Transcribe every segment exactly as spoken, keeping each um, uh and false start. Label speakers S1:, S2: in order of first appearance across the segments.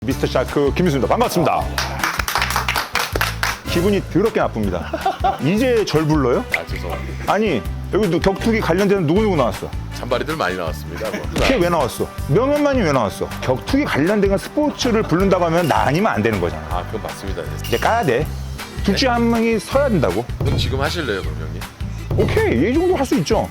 S1: 미스터 샤크 김민수입니다. 반갑습니다. 기분이 더럽게 나쁩니다. 이제 절 불러요?
S2: 아 죄송합니다.
S1: 아니 여기 격투기 관련된 누구누구 나왔어?
S2: 잔바리들 많이 나왔습니다. 뭐.
S1: 걔 왜 나왔어? 명현만이 왜 나왔어? 격투기 관련된 스포츠를 부른다고 하면 나 아니면 안 되는 거잖아.
S2: 아 그건 맞습니다.
S1: 이제 까야 돼. 둘 중에 한 명이 서야 된다고.
S2: 그럼 지금 하실래요, 그럼 형님?
S1: 오케이, 이 정도 할 수 있죠.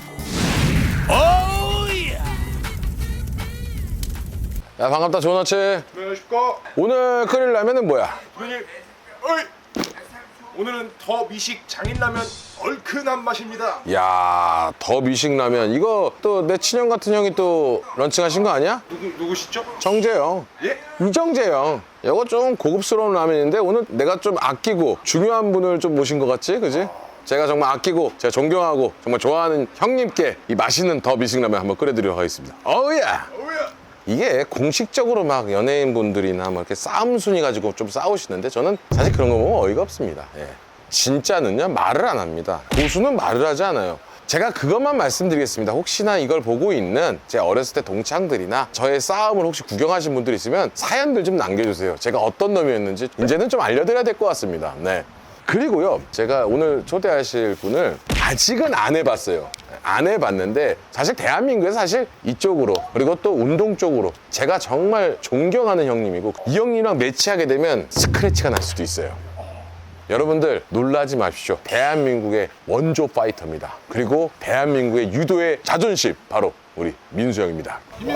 S3: 야 반갑다 좋은 아침.
S4: 안녕하십니까.
S3: 오늘 끓일 라면은 뭐야?
S4: 선생님, 어이! 오늘은 더 미식 장인라면 얼큰한 맛입니다.
S3: 야 더 미식 라면 이거 또 내 친형 같은 형이 또 런칭하신 거 아니야?
S4: 누구, 누구시죠?
S3: 정재영.
S4: 예?
S3: 이정재영. 이거 좀 고급스러운 라면인데 오늘 내가 좀 아끼고 중요한 분을 좀 모신 것 같지, 그지? 제가 정말 아끼고 제가 존경하고 정말 좋아하는 형님께 이 맛있는 더 미식 라면 한번 끓여드리도록 하겠습니다. 어우야.
S4: 어우야!
S3: 이게 공식적으로 막 연예인분들이나 뭐 이렇게 싸움 순위 가지고 좀 싸우시는데 저는 사실 그런 거 보면 어이가 없습니다. 예. 진짜는요 말을 안 합니다. 고수는 말을 하지 않아요. 제가 그것만 말씀드리겠습니다. 혹시나 이걸 보고 있는 제 어렸을 때 동창들이나 저의 싸움을 혹시 구경하신 분들 있으면 사연들 좀 남겨주세요. 제가 어떤 놈이었는지 이제는 좀 알려드려야 될 것 같습니다. 네. 그리고요, 제가 오늘 초대하실 분을 아직은 안 해봤어요. 안 해봤는데 사실 대한민국에서 사실 이쪽으로 그리고 또 운동 쪽으로 제가 정말 존경하는 형님이고 이 형님이랑 매치하게 되면 스크래치가 날 수도 있어요. 여러분들 놀라지 마십시오. 대한민국의 원조 파이터입니다. 그리고 대한민국의 유도의 자존심 바로 우리 민수 형입니다.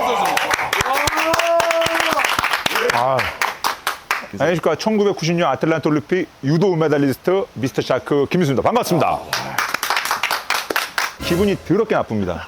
S1: 아. 안녕하십니까. 천구백구십 년 아틀란타 올림픽 유도 은메달리스트 미스터 샤크 김민수입니다. 반갑습니다. 기분이 더럽게 나쁩니다.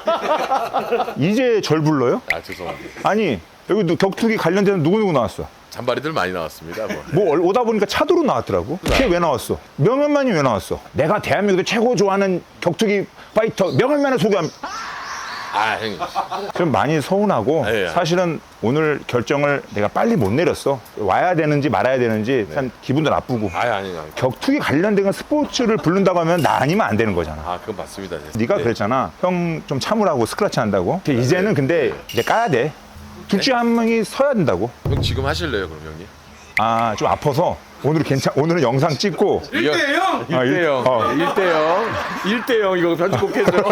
S1: 이제 절 불러요?
S2: 아 죄송합니다.
S1: 아니 여기 격투기 관련된 누구누구 나왔어?
S2: 잔바리들 많이 나왔습니다. 뭐.
S1: 뭐 오다 보니까 차도로 나왔더라고. 걔 왜 나왔어? 명현만이 왜 나왔어? 내가 대한민국에서 최고 좋아하는 격투기 파이터 명현만을 소개합니다.
S2: 아 형님.
S1: 좀 많이 서운하고
S2: 네,
S1: 사실은 오늘 결정을 내가 빨리 못 내렸어. 와야 되는지 말아야 되는지 참 기분도 나쁘고.
S2: 아니 아니 아니.
S1: 격투기 관련된 스포츠를 부른다고 하면 나 아니면 안 되는 거잖아.
S2: 아 그건 맞습니다.
S1: 네가
S2: 네.
S1: 그랬잖아. 형 좀 참으라고 스크래치 한다고. 이제는 근데 이제 까야 돼. 둘 중에 한 명이 서야 된다고.
S2: 형 지금 하실래요, 그럼 형님?
S1: 아, 좀 아파서 오늘 괜찮. 오늘은 영상 찍고
S4: 일 대 영!
S1: 아, 일-
S2: 일 대 영.
S1: 어.
S2: 일 대 영. 일 대 영 이거 편집 꼭 해줘.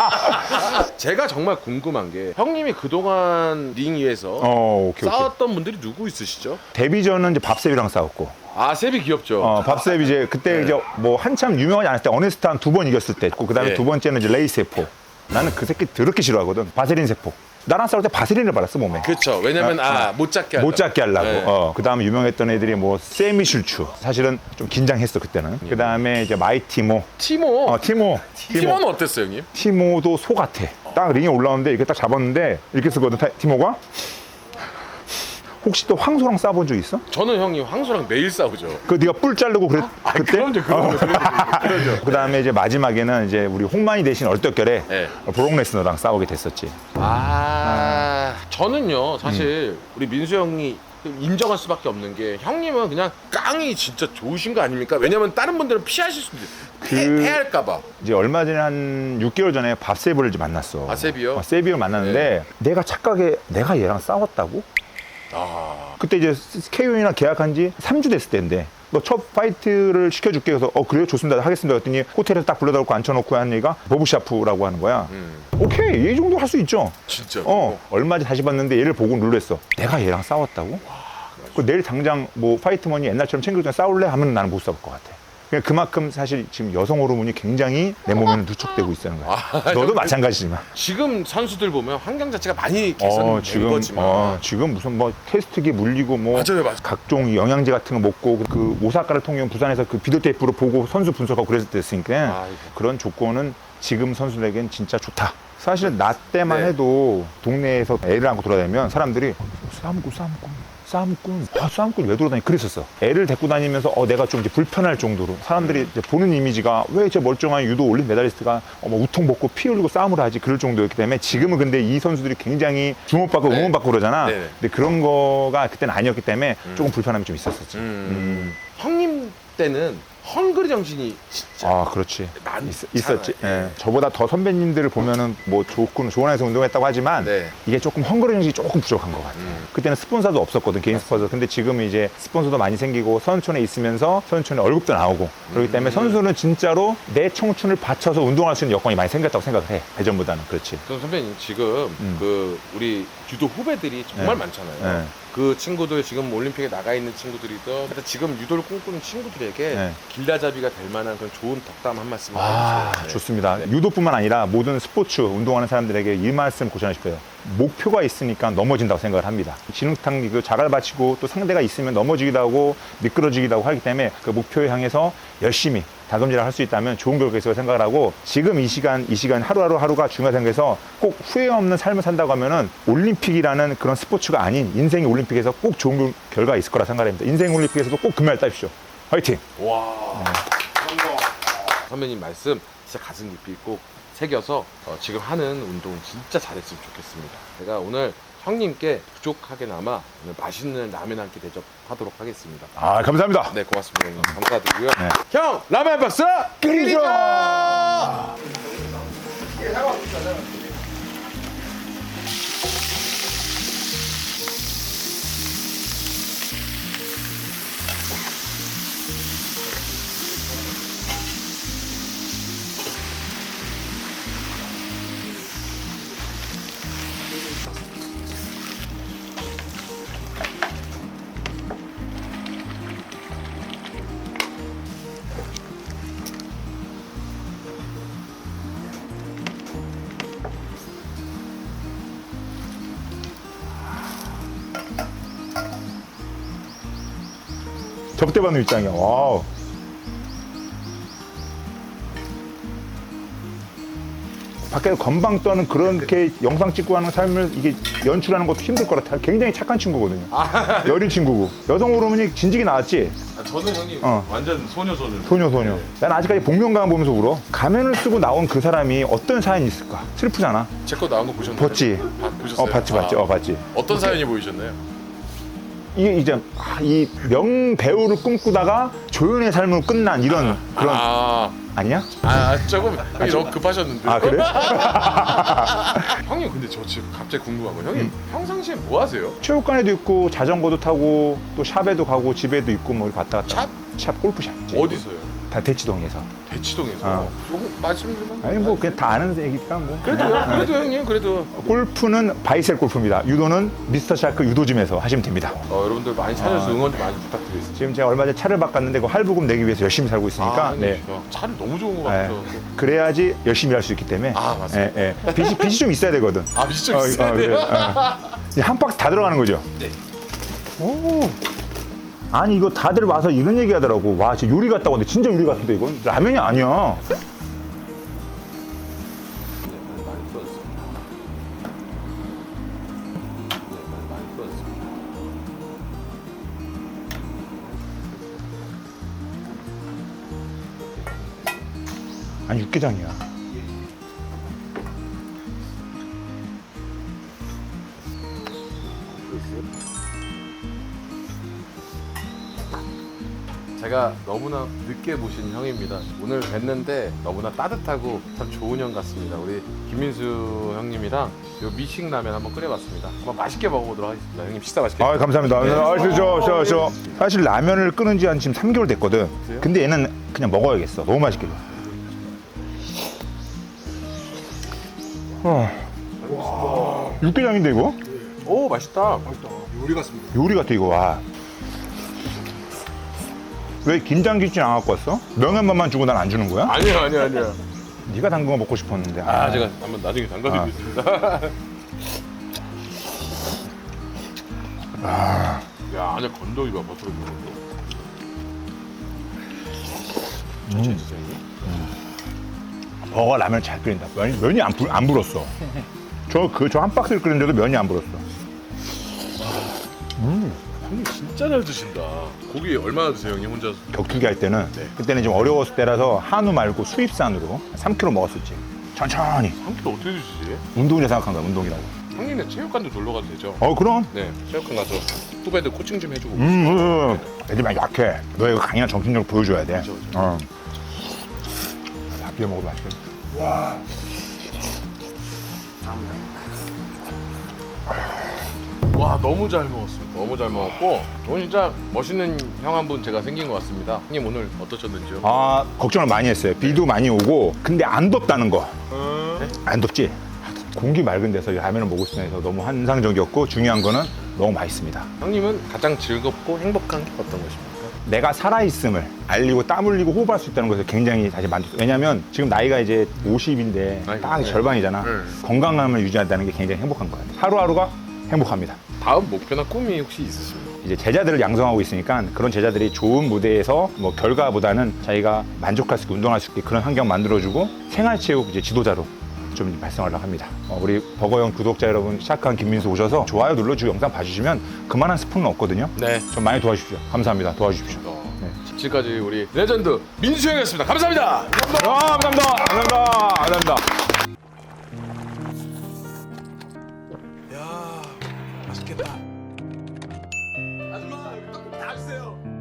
S2: 제가 정말 궁금한 게 형님이 그동안 링 위에서
S1: 어, 오케이, 오케이.
S2: 싸웠던 분들이 누구 있으시죠?
S1: 데뷔 전은 이제 밥셉이랑 싸웠고.
S2: 아 세비 귀엽죠?
S1: 어, 밥셉 이제 그때 이제 뭐 한참 유명하지 않을 때 어네스트 한 두 번 이겼을 때 있고 그다음에
S2: 네.
S1: 두 번째는 이제 레이 세포. 나는 그 새끼 더럽게 싫어하거든. 바세린 세포. 나랑 싸울 때 바세린을 발랐어 몸에.
S2: 그렇죠. 왜냐면 아 못 잡게 하려고.
S1: 못 잡게 하려고.
S2: 네.
S1: 어, 그다음에 유명했던 애들이 뭐 세미 슐추. 사실은 좀 긴장했어 그때는. 그다음에 이제 마이 티모.
S2: 티모.
S1: 어, 티모.
S2: 티모는 어땠어요, 형님?
S1: 티모도 소 같아. 딱 링에 올라오는데 이렇게 딱 잡았는데 이렇게 쓰거든 타- 티모가. 혹시 또 황소랑 싸본 적 있어?
S2: 저는 형님 황소랑 매일 싸우죠.
S1: 그 네가 뿔 자르고 그랬 그때?
S2: 그럼요, 그럼요, 그럼요.
S1: 그다음에 이제 마지막에는 이제 우리 홍만이 대신 얼떨결에
S2: 네.
S1: 브록 레스너랑 싸우게 됐었지.
S2: 아, 저는요 사실
S1: 음.
S2: 우리 민수 형이 인정할 수밖에 없는 게 형님은 그냥 깡이 진짜 좋으신 거 아닙니까? 왜냐면 다른 분들은 피하실 수도 있어요.
S1: 그-
S2: 패할까봐.
S1: 이제 얼마 전에 한 육 개월 전에 밥세브를 이제 만났어.
S2: 아, 세비요?
S1: 어, 세비를 만났는데 내가 착각에 내가 얘랑 싸웠다고?
S2: 아,
S1: 그때 이제 케이오이랑 계약한 지 삼 주 됐을 때인데 너 첫 파이트를 시켜줄게 그래서 어 그래요 좋습니다 하겠습니다 그랬더니 호텔에서 딱 불러다 놓고 앉혀놓고 한 얘기가 보브샤프라고 하는 거야.
S2: 음.
S1: 오케이 이 정도 할 수 있죠.
S2: 진짜.
S1: 어 얼마 전에 다시 봤는데 얘를 보고 놀랬어. 내가 얘랑 싸웠다고? 그 내일 당장 뭐 파이트머니 옛날처럼 챙겨주면 싸울래? 하면 나는 못 싸울 것 같아. 그러니까 그만큼 사실 지금 여성 호르몬이 굉장히 내 몸에는 누적되고 있다는 거야.
S2: 아,
S1: 너도 마찬가지지만.
S2: 지금 선수들 보면 환경 자체가 많이
S1: 어,
S2: 개선된
S1: 지금
S2: 거지만
S1: 어, 지금 무슨 뭐 테스트기 물리고 뭐
S2: 맞아요, 맞아요.
S1: 각종 영양제 같은 거 먹고 그 오사카를 통영 부산에서 그 비디오 테이프로 보고 선수 분석하고 그랬을 때였으니까
S2: 아이고.
S1: 그런 조건은 지금 선수들에겐 진짜 좋다. 사실 나 때만
S2: 네.
S1: 해도 동네에서 애를 안고 돌아다니면 사람들이 싸움꾼 싸움꾼 싸움꾼 아 싸움꾼 왜 돌아다니 그랬었어. 애를 데리고 다니면서 어 내가 좀 이제 불편할 정도로 사람들이 이제 보는 이미지가 왜 저 멀쩡한 유도 올림 메달리스트가 어, 뭐 우통 벗고 피 흘리고 싸움을 하지 그럴 정도였기 때문에 지금은 근데 이 선수들이 굉장히 주목받고
S2: 네.
S1: 응원받고 그러잖아.
S2: 네네.
S1: 근데 그런 거가 그때는 아니었기 때문에 조금 불편함이 좀 있었었지.
S2: 음. 형님 때는 헝그리 정신이 진짜
S1: 아, 그렇지.
S2: 많이
S1: 있, 있었지. 예. 저보다 더 선배님들을 보면은 뭐 좋군, 좋은 안에서 운동했다고 하지만
S2: 네.
S1: 이게 조금 헝그리 정신이 조금 부족한 것 같아요.
S2: 음.
S1: 그때는 스폰서도 없었거든, 개인 스폰서. 근데 지금은 이제 스폰서도 많이 생기고 선수촌에 있으면서 선수촌에 월급도 나오고 그렇기 때문에 선수는 진짜로 내 청춘을 바쳐서 운동할 수 있는 여건이 많이 생겼다고 생각을 해. 예전보다는. 그렇지.
S2: 그럼 선배님 지금
S1: 음.
S2: 그 우리 유도 후배들이 정말
S1: 네.
S2: 많잖아요.
S1: 네.
S2: 그 친구들 지금 올림픽에 나가 있는 친구들이든 하여튼 지금 유도를 꿈꾸는 친구들에게
S1: 네.
S2: 길라잡이가 될 만한 그런 좋은 덕담 한 말씀
S1: 아,
S2: 해주세요. 네.
S1: 좋습니다. 유도뿐만 아니라 모든 스포츠 운동하는 사람들에게 이 말씀 고전하고 싶어요. 목표가 있으니까 넘어진다고 생각을 합니다. 진흙탕 그 자갈 받치고 또 상대가 있으면 넘어지기도 하고 미끄러지기도 하고 하기 때문에 그 목표에 향해서 열심히 다금질을 할 수 있다면 좋은 결과가 있을 생각을 하고 지금 이 시간, 이 시간 하루하루 하루가 중요하다 생각해서 꼭 후회 없는 삶을 산다고 하면은 올림픽이라는 그런 스포츠가 아닌 인생의 올림픽에서 꼭 좋은 결과가 있을 거라 생각합니다. 인생 올림픽에서도 꼭 금메달 따십시오. 화이팅!
S2: 와. 선배님 말씀 진짜 가슴 깊이 꼭 새겨서 어, 지금 하는 운동 진짜 잘했으면 좋겠습니다. 제가 오늘 형님께 부족하게나마 오늘 맛있는 라면 한 끼 대접하도록 하겠습니다.
S1: 아, 감사합니다.
S2: 네, 고맙습니다. 형님. 감사드리고요.
S1: 네.
S2: 형, 라면 한 박스
S1: 끓이죠! 접대받는 입장이야. 와우. 밖에서 건방 떠는 그렇게 영상 찍고 하는 삶을 이게 연출하는 것도 힘들 것 같아. 굉장히 착한 친구거든요. 여린 친구고. 여성 호르몬이 진지게 나왔지?
S2: 아, 저는 형님
S1: 어.
S2: 완전 소녀 소녀.
S1: 소녀, 소녀. 난 아직까지 복면가만 보면서 울어. 가면을 쓰고 나온 그 사람이 어떤 사연이 있을까? 슬프잖아.
S2: 제 거 나온 거 보셨나요?
S1: 봤지?
S2: 아, 보셨어요?
S1: 어, 봤지, 봤지.
S2: 아,
S1: 어, 봤지.
S2: 어떤 사연이 보이셨나요?
S1: 이게 이제 아, 이 명배우를 꿈꾸다가 조연의 삶으로 끝난 이런 그런
S2: 아,
S1: 아니야?
S2: 아 조금 형이 너무 급하셨는데.
S1: 아, 그래?
S2: 형님 근데 저 지금 갑자기 궁금한 거 형님 평상시에 뭐 하세요?
S1: 체육관에도 있고 자전거도 타고 또 샵에도 가고 집에도 있고 뭐 이렇게 왔다 갔다.
S2: 샵?
S1: 샵 골프샵.
S2: 어디서요?
S1: 다 대치동에서.
S2: 대치동에서.
S1: 어.
S2: 조금 말씀 좀.
S1: 아니 뭐 그냥 다 아는 얘기니까 뭐.
S2: 그래도요. 그래도 형님 그래도.
S1: 골프는 바이셀 골프입니다. 유도는 미스터 샤크 유도짐에서 하시면 됩니다.
S2: 어, 여러분들 많이 찾아서 응원 좀 많이 부탁드리겠습니다.
S1: 지금 제가 얼마 전에 차를 바꿨는데 그 할부금 내기 위해서 열심히 살고 있으니까
S2: 아,
S1: 네.
S2: 네. 차를 너무 좋은 거
S1: 네.
S2: 같아요.
S1: 그래야지 열심히 할 수 있기 때문에.
S2: 아, 맞습니다.
S1: 예, 예. 빚이, 빚이 좀 있어야 되거든.
S2: 아, 미션
S1: 어,
S2: 있어야
S1: 어,
S2: 돼요.
S1: 그래, 어. 이제 한 박스 다 들어가는 거죠?
S2: 네.
S1: 오. 아니 이거 다들 와서 이런 얘기 하더라고. 와 진짜 요리 같다고 하는데 진짜 요리 같은데 이건 라면이 아니야. 아니 육개장이야.
S2: 제가 너무나 늦게 모신 형입니다. 오늘 뵀는데 너무나 따뜻하고 참 좋은 형 같습니다. 우리 김민수 형님이랑 요 미식 라면 한번 끓여봤습니다. 한번 맛있게 먹어보도록 하겠습니다. 형님 식사 맛있게.
S1: 아 감사합니다. 아, 저, 저, 저, 저. 사실 라면을 끓은 지 한 지금 삼 개월 됐거든.
S2: 그래요?
S1: 근데 얘는 그냥 먹어야겠어. 너무 맛있게. 어. 육개장인데 이거?
S2: 오 맛있다.
S4: 요리 같습니다.
S1: 요리 같아 이거. 와. 왜 김장김치 안 갖고 왔어? 명란만만 주고 난 안 주는 거야?
S2: 아니요 아니요 아니요.
S1: 네가 담근 거 먹고 싶었는데.
S2: 아 제가 한번 나중에 담가드리겠습니다. 야 안에 건더기 봐 버터로 먹는 거. 진짜 진짜 형님.
S1: 버거 라면 잘 끓인다. 면이, 면이 안, 불, 안 불었어. 저 그 저 한 박스를 끓였는데도 면이 안 불었어.
S2: 형님 진짜 잘 드신다. 고기 얼마나 드세요 형님 혼자?
S1: 격투기 할 때는
S2: 네.
S1: 그때는 좀 어려웠을 때라서 한우 말고 수입산으로 삼 킬로그램 먹었었지. 천천히.
S2: 한 끼도 어떻게 드시지?
S1: 운동이라 생각한 거야. 운동이라고.
S2: 형님네 체육관도 놀러 가도 되죠?
S1: 어 그럼.
S2: 네 체육관 가서 후배들 코칭 좀 해주고.
S1: 음, 음. 애들이 많이 약해. 너의 강인한 정신력을 보여줘야 돼.
S2: 그렇죠, 그렇죠.
S1: 어. 밥 비벼 먹어도 맛있겠다.
S2: 와 너무 잘 먹었습니다. 너무 잘 먹었고 오늘 진짜 멋있는 형 한 분 제가 생긴 것 같습니다. 형님 오늘 어떠셨는지요?
S1: 아, 걱정을 많이 했어요. 비도 많이 오고. 근데 안 덥다는 거.
S2: 네?
S1: 안 덥지? 공기 맑은 데서 이 라면을 먹을 수 있어서 너무 환상적이었고, 중요한 거는 너무 맛있습니다.
S2: 형님은 가장 즐겁고 행복한 게 어떤 것입니까?
S1: 내가 살아있음을 알리고 땀 흘리고 호흡할 수 있다는 것에 굉장히 사실 만족. 왜냐면 지금 나이가 이제 오십인데
S2: 아이고,
S1: 딱
S2: 네.
S1: 절반이잖아.
S2: 네.
S1: 건강함을 유지한다는 게 굉장히 행복한 것 같아요. 하루하루가 행복합니다.
S2: 다음 목표나 꿈이 혹시 있으십니까?
S1: 이제 제자들을 양성하고 있으니까 그런 제자들이 좋은 무대에서 뭐 결과보다는 자기가 만족할 수 있게 운동할 수 있게 그런 환경 만들어주고 생활체육 이제 지도자로 좀 발성하려고 합니다. 어, 우리 버거형 구독자 여러분, 시작한 김민수 오셔서 좋아요 눌러주고 영상 봐주시면 그만한 스푼은 없거든요.
S2: 네.
S1: 좀 많이 도와주십시오. 감사합니다. 도와주십시오.
S2: 어,
S1: 네.
S2: 지금까지 우리 레전드 민수 형이었습니다. 감사합니다.
S1: 아, 감사합니다. 감사합니다. 감사합니다.
S2: 야 맛있겠다. 아줌마 떡볶이 다 주세요.